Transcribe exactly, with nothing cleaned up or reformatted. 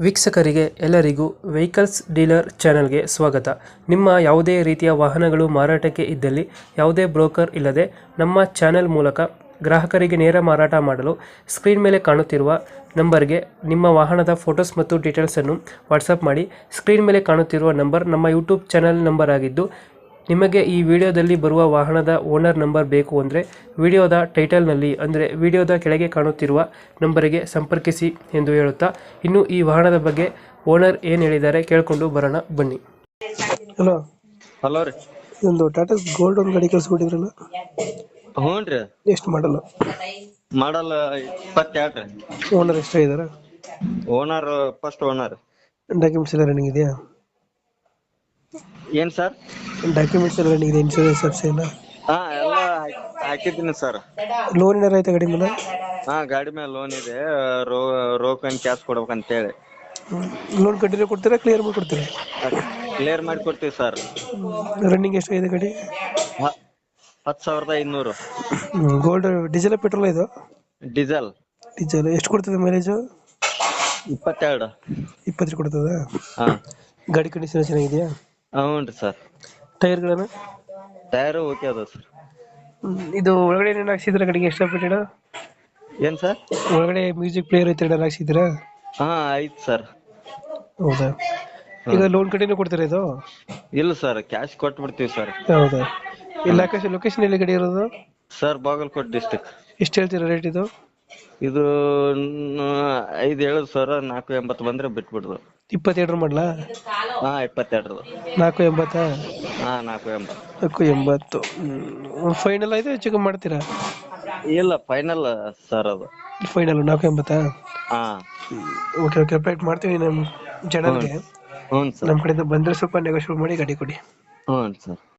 ವೀಕ್ಷಕರಿಗೆ ಎಲ್ಲರಿಗೂ vehicles dealer ಚಾನೆಲ್ಗೆ ಸ್ವಾಗತ. ನಿಮ್ಮ ಯಾವುದೇ ರೀತಿಯ ವಾಹನಗಳು ಮಾರಾಟಕ್ಕೆ ಇದ್ದಲ್ಲಿ ಯಾವುದೇ ಬ್ರೋಕರ್ ಇಲ್ಲದೆ ನಮ್ಮ ಚಾನೆಲ್ ಮೂಲಕ ಗ್ರಾಹಕರಿಗೆ ನೇರ ಮಾರಾಟ ಮಾಡಲು ಸ್ಕ್ರೀನ್ ಮೇಲೆ ಕಾಣುತ್ತಿರುವ ನಂಬರ್ಗೆ ನಿಮ್ಮ ವಾಹನದ ಫೋಟೋಸ್ ಮತ್ತು ಡೀಟೇಲ್ಸನ್ನು ವಾಟ್ಸಪ್ ಮಾಡಿ. ಸ್ಕ್ರೀನ್ ಮೇಲೆ ಕಾಣುತ್ತಿರುವ ನಂಬರ್ ನಮ್ಮ ಯೂಟ್ಯೂಬ್ ಚಾನೆಲ್ ನಂಬರ್ ಆಗಿದ್ದು, ನಿಮಗೆ ಈ ವಿಡಿಯೋದಲ್ಲಿ ಬರುವ ವಾಹನದ ಓನರ್ ನಂಬರ್ ಬೇಕು ಅಂದರೆ ವಿಡಿಯೋದ ಟೈಟಲ್ನಲ್ಲಿ ಅಂದರೆ ವಿಡಿಯೋದ ಕೆಳಗೆ ಕಾಣುತ್ತಿರುವ ನಂಬರಿಗೆ ಸಂಪರ್ಕಿಸಿ ಎಂದು ಹೇಳುತ್ತಾ, ಇನ್ನು ಈ ವಾಹನದ ಬಗ್ಗೆ ಓನರ್ ಏನು ಹೇಳಿದ್ದಾರೆ ಕೇಳಿಕೊಂಡು ಬರೋಣ ಬನ್ನಿ. ಹಲೋ ಹಲೋ ರೀ. ಒಂದು ಟಾಟಾ ಗೋಲ್ಡ್ ಒಂದು ಗಾಡಿ ಕಳಿಸ್ಬಿಟ್ಟಿದ್ರಲ್ಲ, ಹ್ಞೂ ರೀ. ಎಷ್ಟು ಮಾಡಲ್ಲ? ಮಾಡಲ್ ಇಪ್ಪತ್ತೆರಡು. ಓನರ್ ಎಷ್ಟಾಗಿದ್ದಾರೆ? Owner first owner. ಡಾಕ್ಯುಮೆಂಟ್ಸ್ ಎಲ್ಲ ರನ್ನಿಂಗ್ ಇದೆಯಾ? ಏನ್ ಸರ್? ಡಾಕ್ಯುಮೆಂಟ್ಸ್ ಎಲ್ಲ ರನ್ನಿಂಗ್ ಇದೆ, ಇನ್ಶೂರೆನ್ಸ್ ಅಪ್ಸ್ ಎಲ್ಲ? ಹಾ ಎಲ್ಲ ಹಾಕಿದ್ದೀನಿ ಸರ್. ಲೋನ್ ಏನಾರ ಆಯ್ತಾ ಗಾಡಿ ಮೇಲೆ? ಹಾ ಗಾಡಿ ಮೇಲೆ ಲೋನ್ ಇದೆ, ರೋ ರೋಕನ್ ಕ್ಯಾಶ್ ಕೊಡ್ಬೇಕಂತೇಳಿ. ಲೋನ್ ಕಂಟಿನ್ಯೂ ಕೊಡ್ತೀರಾ, ಕ್ಲಿಯರ್ ಮಾಡಿ ಕೊಡ್ತೀರಾ? ಕ್ಲಿಯರ್ ಮಾಡಿ ಕೊಡ್ತೀವಿ ಸರ್. ರನ್ನಿಂಗ್ ಎಷ್ಟಾಗಿದೆ ಗಾಡಿ? ಹತ್ತು ಸಾವಿರದ ಐನೂರು. ಗೋಲ್ಡ್ ಡೀಸೆಲ್ ಪೆಟ್ರೋಲ್ ಇದು? ಡೀಸೆಲ್. ಡೀಸೆಲ್ ಎಷ್ಟು ಕೊಡ್ತದೆ ಮೈಲೇಜು? ಇಪ್ಪತ್ತೆರಡು. ಇಪ್ಪತ್ತು ಕೊಡ್ತದ? ಹಾ. ಗಾಡಿ ಕಂಡೀಷನ್ ಚೆನ್ನಾಗಿದೆಯಾ? ಹ್ಞೂ ರೀ ಸರ್. ಟೈರ್ಗಳನ್ನು? ಟೈರು ಓಕೆ ಅದ ಸರ್. ಇದು ಒಳಗಡೆ ಏನೇನು ಹಾಕ್ಸಿದ್ರೆ ಗಾಡಿಗೆ ಎಕ್ಸ್ಟ್ರಾ ಫಿಟೆಡ್? ಏನ್ ಸರ್? ಒಳಗಡೆ ಮ್ಯೂಸಿಕ್ ಪ್ಲೇಯರ್ ಐತೆ ಏನಾರು ಹಾಕ್ಸಿದ್ರಾ? ಹಾ ಆಯ್ತು ಸರ್. ಹೌದಾ? ಈಗ ಲೋನ್ ಕಂಟಿನ್ಯೂ ಕೊಡ್ತೀರಾ ಇದು? ಇಲ್ಲ ಸರ್, ಕ್ಯಾಶ್ ಕೊಟ್ಬಿಡ್ತೀವಿ ಸರ್. ಹೌದಾ? ಇಲ್ಲ ಲೊಕೇಶನ್ ಎಲ್ಲಿ ಗಾಡಿ ಇರೋದು? Sir Bagalkot district. ಎಷ್ಟು ಹೇಳ್ತೀರಾ ರೇಟ್ ಇದು? ಇದು ಐದು ಹೇಳುದು ಸರ್, ನಾಲ್ಕು ಎಂಬತ್ತು ಬಂದ್ರೆ ಬಿಟ್ಬಿಡುದು. ಇಪ್ಪತ್ತೆರಡು ಮಾಡಲಾ? ಹಾ ಇಪ್ಪತ್ತೆರಡು. ನಾಲ್ಕು ಎಂಬತ್ತಾ? ಹಾ ನಾಲ್ಕು ಎಂಬತ್ತು. ನಾಲ್ಕು ಎಂಬತ್ತು. ಫೈನಲ್ ಆಯ್ತು, ಹೆಚ್ಚು ಕಮ್ಮಿ ಮಾಡ್ತೀರಾ? ಇಲ್ಲ ಫೈನಲ್ ಸರ್ ಅದು. ಫೈನಲ್ ನಾಲ್ಕು ಎಂಬತ್ತಾ? ಹಾ ಓಕೆ ಓಕೆ, ಅಪ್ಡೇಟ್ ಮಾಡ್ತೀವಿ ನಮ್ಮ ಚಾನಲ್ಗೆ. ಹ್ಞೂ ಸರ್. ನಮ್ಮ ಕಡೆಯಿಂದ ಬಂದರೆ ಸ್ವಲ್ಪ ನೆಗೋಷಿಯೇಟ್ ಮಾಡಿ ಗಾಡಿ ಕೊಡಿ. ಹ್ಞೂ ಸರ್.